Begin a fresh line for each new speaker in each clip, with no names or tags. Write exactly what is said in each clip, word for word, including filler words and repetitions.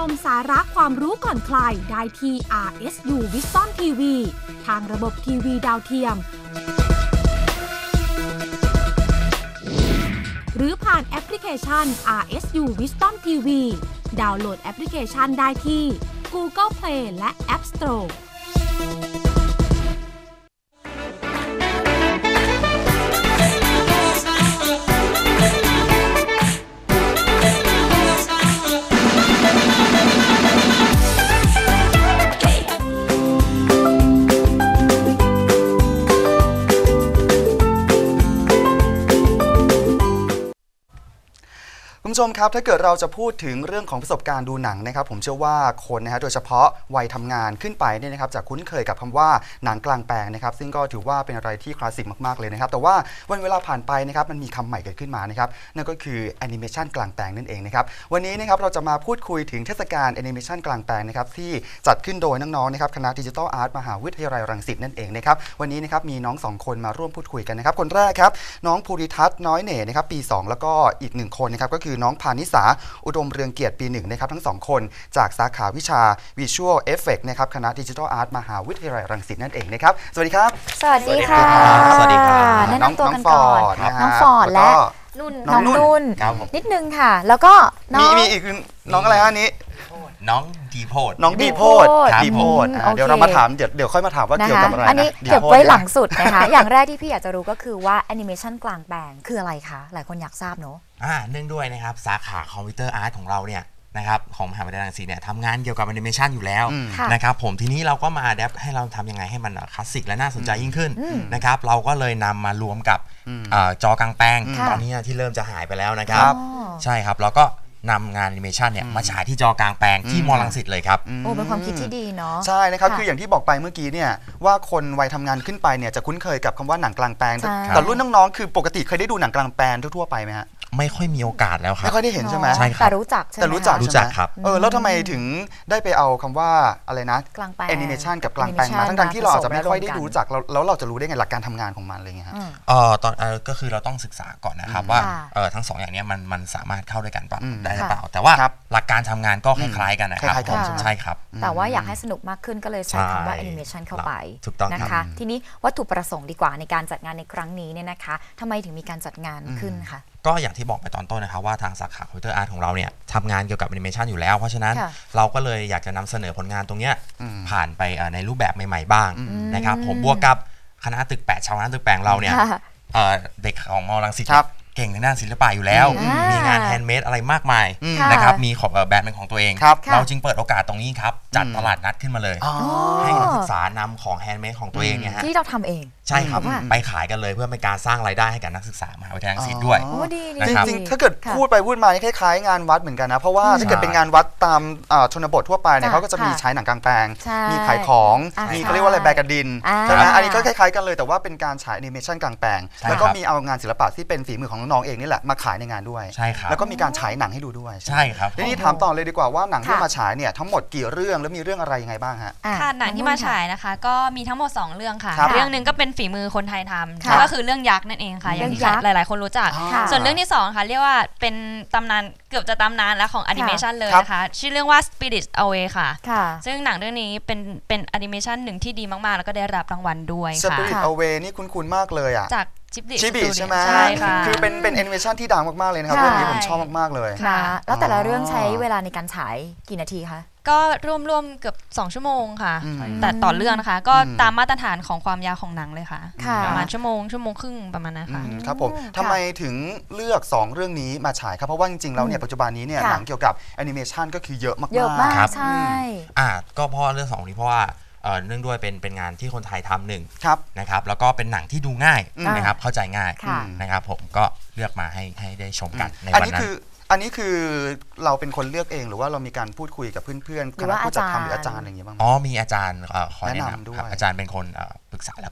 มสาระความรู้ก่อนใครได้ที่ อาร์ เอส ยู Wisdom ที วี ทางระบบทีวีดาวเทียมหรือผ่านแอปพลิเคชัน อาร์ เอส ยู Wisdom ที วี ดาวน์โหลดแอปพลิเคชันได้ที่ Google Play และ App Store
คุณผู้ชมครับถ้าเกิดเราจะพูดถึงเรื่องของประสบการณ์ดูหนังนะครับผมเชื่อว่าคนนะฮะโดยเฉพาะวัยทำงานขึ้นไปเนี่ยนะครับจะคุ้นเคยกับคำว่าหนังกลางแปลงนะครับซึ่งก็ถือว่าเป็นอะไรที่คลาสสิกมากๆเลยนะครับแต่ว่าวันเวลาผ่านไปนะครับมันมีคำใหม่เกิดขึ้นมานะครับนั่นก็คือแอนิเมชันกลางแปลงนั่นเองนะครับวันนี้นะครับเราจะมาพูดคุยถึงเทศกาลแอนิเมชันกลางแปลงนะครับที่จัดขึ้นโดยน้องๆนะครับคณะดิจิทัลอาร์ตมหาวิทยาลัยรังสิตนั่นเองนะครับวันนี้นะครับมีน้องสองคนมาร่วมพูดคุยกันนะครับคนแรกครับน้องภูริทัศน์น้อยเหน่นะครับปีสองแล้วก็อีกหนึ่งคนนะครับก็คือน้องพานิสาอุดมเรืองเกียรติปีหนึ่งนะครับทั้งสองคนจากสาขาวิชา Visual Effect นะครับคณะ Digital Art มหาวิทยาลัยรังสิตนั่นเองนะครับสวัสดีครับ
สวัสดีค่ะ
สวัสดีครับ
แนะนำตัวกันก่อนน้องฟอร์ดและนุ่นน้องนุ่นนิดนึงค่ะแล้วก็น้อง
มีอีกน้องอะไรฮะนี้
น้องดีโพด
น้องดีโพดดีโพดเดี๋ยวเรามาถามเดี๋ยวเดี๋ยวค่อยมาถามว่าเกี่ยวกับอะไรนะ
อันนี้เก็บไว้หลังสุดนะคะอย่างแรกที่พี่อยากจะรู้ก็คือว่าแอนิเมชันกลางแปลงคืออะไรคะหลายคนอยากทราบเนอะ
อ่าเนื่องด้วยนะครับสาขาคอมพิวเตอร์อาร์ตของเราเนี่ยนะครับของมหาวิทยาลัยรังสิตเนี่ยทำงานเกี่ยวกับแอนิเมชันอยู่แล้วนะครับผมทีนี้เราก็มาอัดแอปให้เราทำยังไงให้มันคลาสสิกและน่าสนใจยิ่งขึ้นนะครับเราก็เลยนำมารวมกับจอกลางแปลงตอนนี้ที่เริ่มจะหายไปแล้วนะครับใช่ครับเราก็นำงานแอนิเมชันเนี่ยมาฉายที่จอกลางแปลงที่มอรังสิตเลยครับ
โอ้เป็นความคิดที่ดีเนาะ
ใช่นะครับคืออย่างที่บอกไปเมื่อกี้เนี่ยว่าคนวัยทำงานขึ้นไปเนี่ยจะคุ้นเคยกับคำว่าหนังกลางแปลงแต่รุ่นน้องๆคือปกติเคยได้ดูหนังกลางแปลงทั่วๆไปไหมฮะ
ไม่ค่อยมีโอกาสแล้วครับ
ไม่ค่อยได้เห็นใช่ไหม
ใช่ครับ
แต่รู้จักใช่ไหม
แต่รู้จัก
รู้จักครับ
เออแล้วทำไมถึงได้ไปเอาคำว่าอะไรนะ
กลางแปลง
แอนิเมชันกับกลางแปลงมาทั้งๆที่เราอาจจะไม่ค่อยได้รู้จักแล้วเราจะรู้ได้ไงหลักการทำงานของมันอะไรเงี้ยฮะ
เออตอนเออก็คือเราต้องศึกษาก่อนนะครับว่าเออทั้งสองอย่างนี้มันมันสามารถเข้าด้วยกันได้หรือเปล่าแต่ว่าหลักการทำงานก็คล้ายๆกันนะครับใช่ครับ
แต่ว่าอยากให้สนุกมากขึ้นก็เลยใช้คำว่าแอนิเมชันเข้าไป
ถูกต้อง
นะคะทีนี้วัตถุประสงค์ดีกว่าในการจัดงานในครั้งนี้เนี่ยนะคะทำไมถึงมีการจัดงานขึ้นคะ
ก็อย่างที่บอกไปตอนต้นนะครับว่าทางสาขาคอมพิวเตอร์อาร์ตของเราเนี่ยทำงานเกี่ยวกับแอนิเมชันอยู่แล้วเพราะฉะนั้นเราก็เลยอยากจะนำเสนอผลงานตรงนี้ผ่านไปในรูปแบบใหม่ๆบ้างนะครับผมบวกกับคณะตึกแปดชาวคณะตึกแปดเราเนี่ยเด็กของมอรังสิตเก่งในด้านศิลปะอยู่แล้วมีงานแฮนด์เมดอะไรมากมายนะครับมีของแบรนด์เป็นของตัวเองเราจึงเปิดโอกาสตรงนี้ครับจัดตลาดนัดขึ้นมาเลยให้นักศึกษานำของแฮนด์เมดของตัวเองเนี่ยฮะ
ที่เราทำเอง
ใช่ครับไปขายกันเลยเพื่อเป็นการสร้างรายได้ให้กับนักศึกษามหาวิทยาลัยรังสิตด้วย
จริงๆถ้าเกิดพูดไปพูดมาคล้ายๆงานวัดเหมือนกันนะเพราะว่าถ้าเกิดเป็นงานวัดตามชนบททั่วไปเนี่ยเขาก็จะมีใช้หนังกลางแปลงมีขายของมีเขาเรียกว่าอะไรแบกกระดินใช่ไหมอันนี้ก็คล้ายๆกันเลยแต่ว่าเป็นการฉายแอนิเมชันกลางแปลงแล้วก็มีเอางานศิลปะที่เป็นฝีมือของน้องๆเองนี่แหละมาขายในงานด้วย
ใช่ครับ
แล้วก็มีการฉายหนังให้ดูด้วย
ใช่ครับ
ทีนี้ถามต่อเลยดีกว่าว่าหนังที่มาฉายเนี่ยทั้งหมดกี่เรื่องแล้วมีเรื่องอะไรยังไงบ้างฮะ
ค่ะหนังที่มาฉายนะคะก็มีทั้งหมดสองเรื่องค่ะเรื่องนึงก็เป็นฝีมือคนไทยทำก็คือเรื่องยักษ์นั่นเองค่ะอย่างที่หลายๆคนรู้จักส่วนเรื่องที่สองค่ะเรียกว่าเป็นตำนานเกือบจะตำนานแล้วของแอนิเมชันเลยนะคะชื่อเรื่องว่า Spirit Away ค่ะซึ่งหนังเรื่องนี้เป็นเป็นแอนิเมชันหนึ่งที่ดีมากๆแล้วก็ได้รับรางวัลด้วยค่ะ
Spirit Away นี่คุ้นๆมากเลยอ่ะ
จากชิบ
บิใช่ไหม
ใช่ค่ะ
คือเป็นเป็นแอนิเมชันที่ดังมากๆเลยนะครับเรื่องนี้ผมชอบมากๆเลย
ค่ะแล้วแต่ละเรื่องใช้เวลาในการฉายกี่นาทีคะ
ก็ร่วมๆเกือบสองชั่วโมงค่ะแต่ต่อเรื่องนะคะก็ตามมาตรฐานของความยาวของหนังเลยค่ะประมาณชั่วโมงชั่วโมงครึ่งประมาณนั้นค่ะ
ครับผมทำไมถึงเลือกสองเรื่องนี้มาฉายครับเพราะว่าจริงๆแล้วเนี่ยปัจจุบันนี้เนี่ยหนังเกี่ยวกับแอนิเมชันก็คือเยอะมากๆ
เยอะมากใช่
อ่าก็เพราะเรื่องสองนี้เพราะว่าเนื่องด้วยเป็นเป็นงานที่คนไทยทำหนึ่งนะครับแล้วก็เป็นหนังที่ดูง่ายนะครับเข้าใจง่ายนะครับผมก็เลือกมาให้ให้ได้ชมกันในวันนั้น
อันนี้คือเราเป็นคนเลือกเองหรือว่าเรามีการพูดคุยกับเพื่อนๆคณะผู้จัดทำหรืออาจารย์อะไรอย่างเงี้ยบ้าง
อ๋อมีอาจารย์คอยแนะนำด้วยอาจารย์เป็นคนปรึกษาแล้วก็แ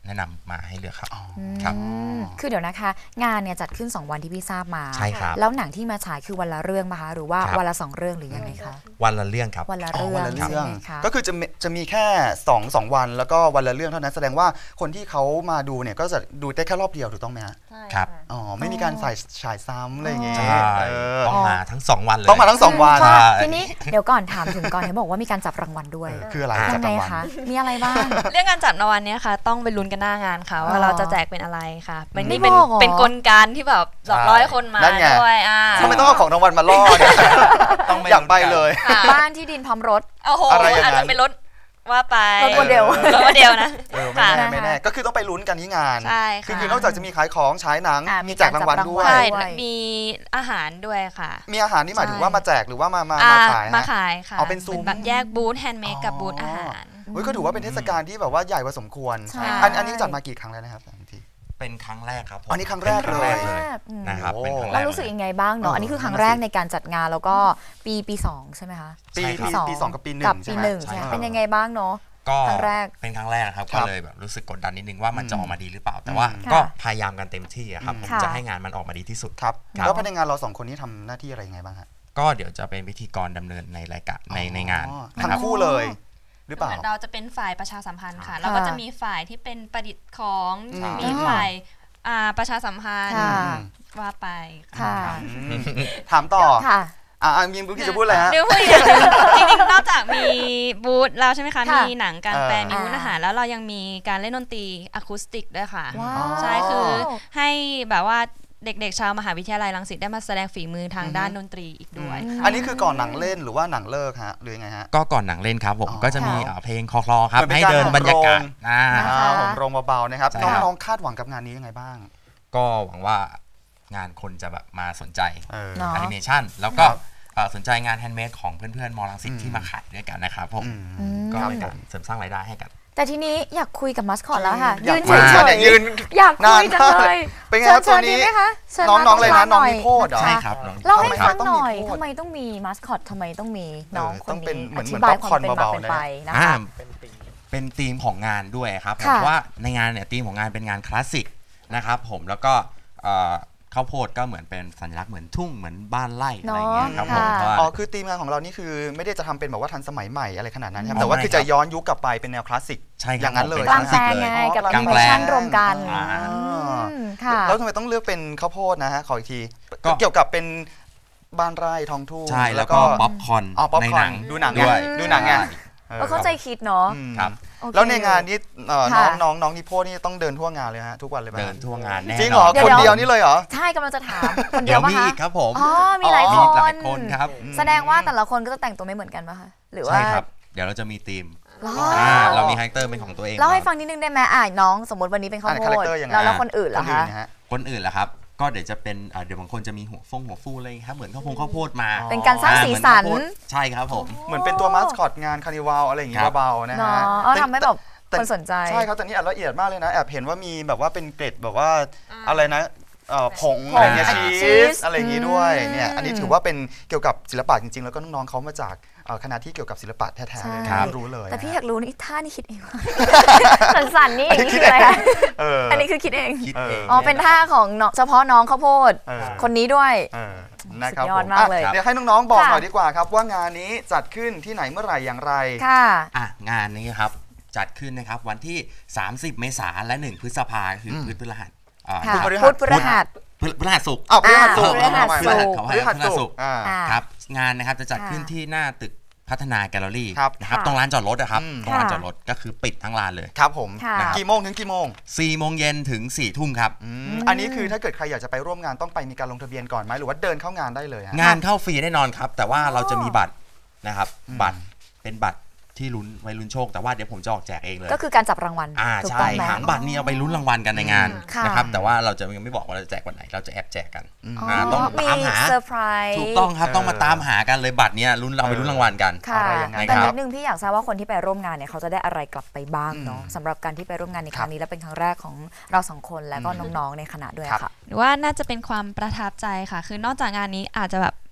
แนะนำมาให้เลือกครับ
ครับคือเดี๋ยวนะคะงานเนี่ยจัดขึ้นสองวันที่พี่ทราบมา
ใช่ครับ
แล้วหนังที่มาฉายคือวันละเรื่องนะคะหรือว่าวันละสองเรื่องหรือยังไงคะ
วันละเรื่องครับ
วันละเรื่อง
วันละเรื่องก็คือจะจะมีแค่สองสองวันแล้วก็วันละเรื่องเท่านั้นแสดงว่าคนที่เขามาดูเนี่ยก็จะดูได้แค่รอบเดียวถูกต้องไหมฮะ
ครับ
อ๋อไม่มีการใส่ฉายซ้ำอะไรอย่างเงี้ย
ต้องมาทั้งสองวันเลย
ต้องมาทั้งสองวัน
ทีนี้เดี๋ยวก่อนถามถึงก่อนเห็นบอกว่ามีการจับรางวัลด้วย
คืออะไร
ยังไงคะมีอะไรบ้าง
เรื่องการจับรางวัลเนี้ยค่ะต้องไปลุ้นกันหน้างานค่ะว่าเราจะแจกเป็นอะไรค่ะมันนี่เป็นเป็นกลการที่แบบหลอกล่อให้คนมาด้วยอ่า
ทำไมต้องเอาของรางวัลมาล่อเนี่ยต้องอยากไปเลย
บ้านที่ดินพร้อมรถ
โอ้โหอาจจะเป็นรถว่าไป
รถโมเดล
รถโมเดลนะ
ไม่แน่ไม่แน่ก็คือต้องไปลุ้นกันที่งาน
ใช่
ค่ะคือนอกจากจะมีขายของฉายหนังมีแจกรางวัลด้วย
มีอาหารด้วยค่ะ
มีอาหารนี่หมายถึงว่ามาแจกหรือว่ามามาขาย
มาขายค่ะ
เอาเป็นซูม
แบบแยกบูธแฮนด์เมดกับบูธอาหาร
ก็ถือว่าเป็นเทศกาลที่แบบว่าใหญ่พอสมควรอันนี้จัดมากี่ครั้งแล้วนะครับที
เป็นครั้งแรกครับ
อันนี้ครั้งแรกเลย
นะครับ
แล้วรู้สึกยังไงบ้างเนาะอันนี้คือครั้งแรกในการจัดงานแล้วก็ปีปีสองใช่ไหมคะ
ปีปีสองกับปีหนึ่ง
กับปีหนึ่งใช่เป็นยังไงบ้างเนาะ
ก็
ครั้งแรก
เป็นครั้งแรกครับก็เลยแบบรู้สึกกดดันนิดนึงว่ามันจะออกมาดีหรือเปล่าแต่ว่าก็พยายามกันเต็มที่ครับผมจะให้งานมันออกมาดีที่สุด
ครับแล้วภายในงานเราสองคนนี้ทำหน้าที่อะไรยังไงบ้างฮะ
ก็เดี๋ยวจะเป็นพิธีกรดำเนินในรายการในในงาน
ทั้งคู่เลยหรือเปล่า
เราจะเป็นฝ่ายประชาสัมพันธ์ค่ะเราก็จะมีฝ่ายที่เป็นประดิษฐ์ของมีฝ่ายประชาสัมพันธ์ว่าไป
ค่ะ
ถามต่ออ่ามีบุ๊กจะพูดอะไรฮะ
เดี๋ยวพูดอย่างนึงจริงๆนอกจากมีบูธแล้วใช่ไหมคะมีหนังการแปลมีบูธอาหารแล้วเรายังมีการเล่นดนตรีอะคูสติกด้วยค่ะใช่คือให้แบบว่าเด็กๆชาวมหาวิทยาลัยรังสิตได้มาแสดงฝีมือทางด้านดนตรีอีกด้วย
อันนี้คือก่อนหนังเล่นหรือว่าหนังเลิกฮะหรือไงฮะ
ก็ก่อนหนังเล่นครับผมก็จะมีเพลงคลอๆครับให้เดินบรรยากาศ
ผมโรงเบาๆนะครับน้องๆคาดหวังกับงานนี้ยังไงบ้าง
ก็หวังว่างานคนจะแบบมาสนใจแอนิเมชันแล้วก็สนใจงานแฮนด์เมดของเพื่อนๆมอรังสิตที่มาขายด้วยกันนะครับผมก็เป็นการเสริมสร้างรายได้ให้กัน
แต่ทีนี้อยากคุยกับมัสคอตแล้วค่ะยืนเฉย
ๆยืน
อยากคุยจังเลย
เป็นไงครับตัวนี้น้องๆเลยนะน้องนิโพดเหรอ
ใช่ครับ
เล่าให้ฟังหน่อยทำไมต้องมีมัสคอตทำไมต้องมีน้องคนนี้อธิบายความเป็นมาเป็นไปนะคะ
เป็นธีมของงานด้วยครับเพราะว่าในงานเนี่ยธีมของงานเป็นงานคลาสสิกนะครับผมแล้วก็ข้าวโพดก็เหมือนเป็นสัญลักษณ์เหมือนทุ่งเหมือนบ้านไร่อะไรเงี้ยครับผม
อ๋อคือธีมงานของเรานี่คือไม่ได้จะทำเป็นแบบว่าทันสมัยใหม่อะไรขนาดนั้นครับแต่ว่าคือจะย้อนยุคกลับไปเป็นแนวคลาสสิกอย่างนั้นเลย
กลางแปลงไงกับแอนิเมชั่นรวมกัน
แล้วทำไมต้องเลือกเป็นข้าวโพดนะฮะขออีกทีเกี่ยวกับเป็นบ้านไร่ท้องทุ่ง
ใช่แล้วก็ป๊อปคอร์นในหนัง
ดูหนังด้วยดูหนังไง
เข้าใจคิดเนาะ
ครับ
แล้วในงานนี้น้องน้องน้องนิโพนี่ต้องเดินทั่วงานเลยฮะทุกวันเลย
เดินทั่วงานแน่
จริงเหรอคนเดียวนี่เลยเหรอ
ใช่กำลังจะถามคนเดียว
มีอีกครับผม
อ๋อมีหลาย
คนครับ
แสดงว่าแต่ละคนก็จะแต่งตัวไม่เหมือนกันป่ะคะหรือว่า
ใช่ครับเดี๋ยวเราจะมีธีมเรามีคาแรคเตอร์เป็นของตัวเอง
เล่าให้ฟังนิดนึงได้ไหมอ่าน้องสมมติวันนี้เป็นข้าวโพดแล้วแล้วคนอื่นล่ะคะ
คนอื่นล่ะครับก็เดี๋ยวจะเป็นเดี๋ยวบางคนจะมีหัวฟงหัวฟูเลยครับเหมือนข้าวโพดข้าวโพดมา
เป็นการสร้างสีสัน
ใช่ครับผม
เหมือนเป็นตัวมาสคอตงานคาร์นิวัลอะไรอย่างเงี้ยเบาๆนะฮะ
ทำให้แบบคนสนใจ
ใช่ครับแต่นี่ละเอียดมากเลยนะแอบเห็นว่ามีแบบว่าเป็นเกล็ดแบบว่าอะไรนะผงอะไรเงี้ยชีสอะไรอย่างงี้ด้วยเนี่ยอันนี้ถือว่าเป็นเกี่ยวกับศิลปะจริงๆแล้วก็น้องๆเขามาจากคณะที่เกี่ยวกับศิลปะแท้ๆเลยไม่รู้เลย
แต่พี่อยากรู้นี่ท่านี่คิดเองสั่นๆนี่อย่างนี้คืออะไรคะอันนี้คือคิดเองอ๋อเป็นท่าของเฉพาะน้องข้าวโพดคนนี้ด้วย
นะครับ
ยอดมากเลย
เดี๋ยวให้น้องๆบอกหน่อยดีกว่าครับว่างานนี้จัดขึ้นที่ไหนเมื่อไหร่อย่างไร
ค่ะ
อ่ะงานนี้ครับจัดขึ้นนะครับวันที่สามสิบเมษายนและหนึ่งพฤษภาคมคือพุธพฤหัส
พุธพฤหัส
พฤหัสศุกร์
อ้าวพฤหัสศุกร์
พฤหัสศุกร์
พฤหัสศุกร์ครับงานนะครับจะจัดขึ้นที่หน้าตึกพัฒนาแกลเลอรี่นะครับตรงลานจอดรถนะครับตรงลานจอดรถก็คือปิดทั้งลานเลย
ครับผมกี่โมงถึงกี่โมง
สี่โมงเย็นถึงสี่ทุ่มครับ
อันนี้คือถ้าเกิดใครอยากจะไปร่วมงานต้องไปมีการลงทะเบียนก่อนไหมหรือว่าเดินเข้างานได้เลย
งานเข้าฟรีแน่นอนครับแต่ว่าเราจะมีบัตรนะครับบัตรเป็นบัตรที่ลุ้นไว้ลุ้นโชคแต่ว่าเดี๋ยวผมจะออกแจกเองเลย
ก็คือการจับรางวัล
อ่าใช่หางบัตรนี้เอาไปลุ้นรางวัลกันในงานนะครับแต่ว่าเราจะยังไม่บอกว่าเราจะแจกวันไหนเราจะแอบแจกกัน
ต้องตามหาเซอร์ไพรส์
ถูกต้องครับต้องมาตามหากันเลยบัตรนี้ลุ้นเราไปลุ้นรางวัลกัน
อะไรอย่างเงี้ยแต่นิดนึงพี่อยากทราบว่าคนที่ไปร่วมงานเนี่ยเขาจะได้อะไรกลับไปบ้างเนาะสำหรับการที่ไปร่วมงานในครั้งนี้และเป็นครั้งแรกของเราสองคนและก็น้องๆในคณะด้วยค่ะ
หรือว่าน่าจะเป็นความประทับใจค่ะคือนอกจากงานนี้อาจจะแบบ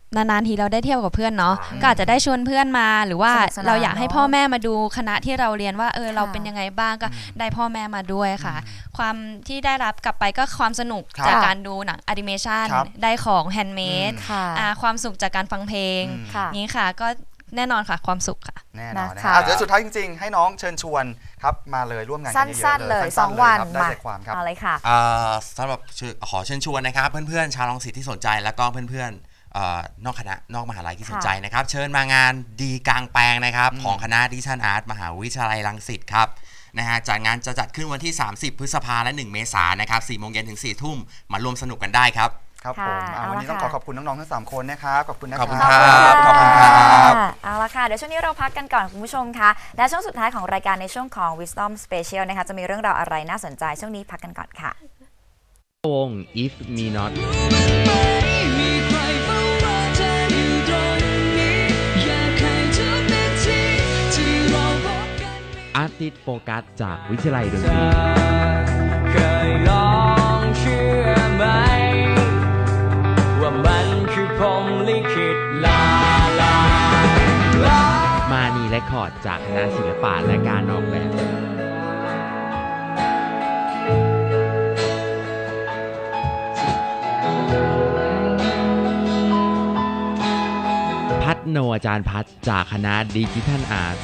นานๆทีเราได้เที่ยวกับเพื่อนเนาะก็อาจจะได้ชวนเพื่อนมาหรือว่าเราอยากให้พ่อแม่มาดูคณะที่เราเรียนว่าเออเราเป็นยังไงบ้างก็ได้พ่อแม่มาด้วยค่ะความที่ได้รับกลับไปก็ความสนุกจากการดูหนังแอนิเมชันได้ของแฮนด์เมดความสุขจากการฟังเพลงนี้ค่ะก็แน่นอนค่ะความสุขค่ะ
แน่นอนนะคะเดี๋ยวสุดท้ายจริงๆให้น้องเชิญชวนครับมาเลยร่วมงานกันเยอะๆ
สั้นๆเลยสองวัน
มาได้ความครับ
อะไรค่ะ
สำหรับขอเชิญชวนนะครับเพื่อนๆชาวรังสิตที่สนใจแล้วก็เพื่อนๆนอกคณะนอกมหาลัยที่สนใจนะครับเชิญมางานดีกลางแปลงนะครับของคณะดิจิทัลอาร์ตมหาวิทยาลัยรังสิตครับนะฮะจัดงานจะจัดขึ้นวันที่สามสิบพฤษภาและหนึ่งเมษายนนะครับสี่โมงเย็นถึงสี่ทุ่มมาร่วมสนุกกันได้ครับ
ครับผมวันนี้ต้องขอขอบคุณน้องๆทั้งสามคนนะครับขอบคุณนะครับ
ขอบคุณครับขอบคุณครับ
เอาละค่ะเดี๋ยวช่วงนี้เราพักกันก่อนคุณผู้ชมค่ะและช่วงสุดท้ายของรายการในช่วงของ Wisdom Special นะคะจะมีเรื่องราวอะไรน่าสนใจช่วงนี้พักกันก่อนค่ะ
วง If Me Notอาร์ติสต์โฟกัสจากวิทยาลัยดนตรี
เคยลองเชื่อไหมว่ามันคือพรหมลิขิตลาลา
มานีเรคคอร์ดจากคณะศิลปะและการออกแบบพัฒโนอาจารย์พัฒจากคณะดิจิทัลอาร์ต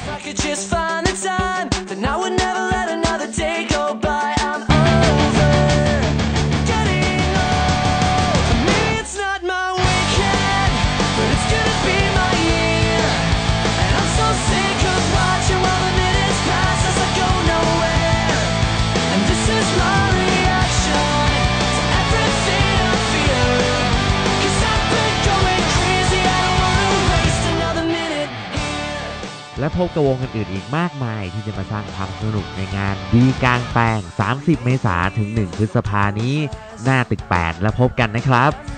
และพบกับวงอื่นๆอีกมากมายที่จะมาสร้างความสนุกในงานดีกลางแปลงสามสิบเมษายนถึงหนึ่งพฤษภาคมนี้หน้าตึกแปดแล้วพบกันนะครับ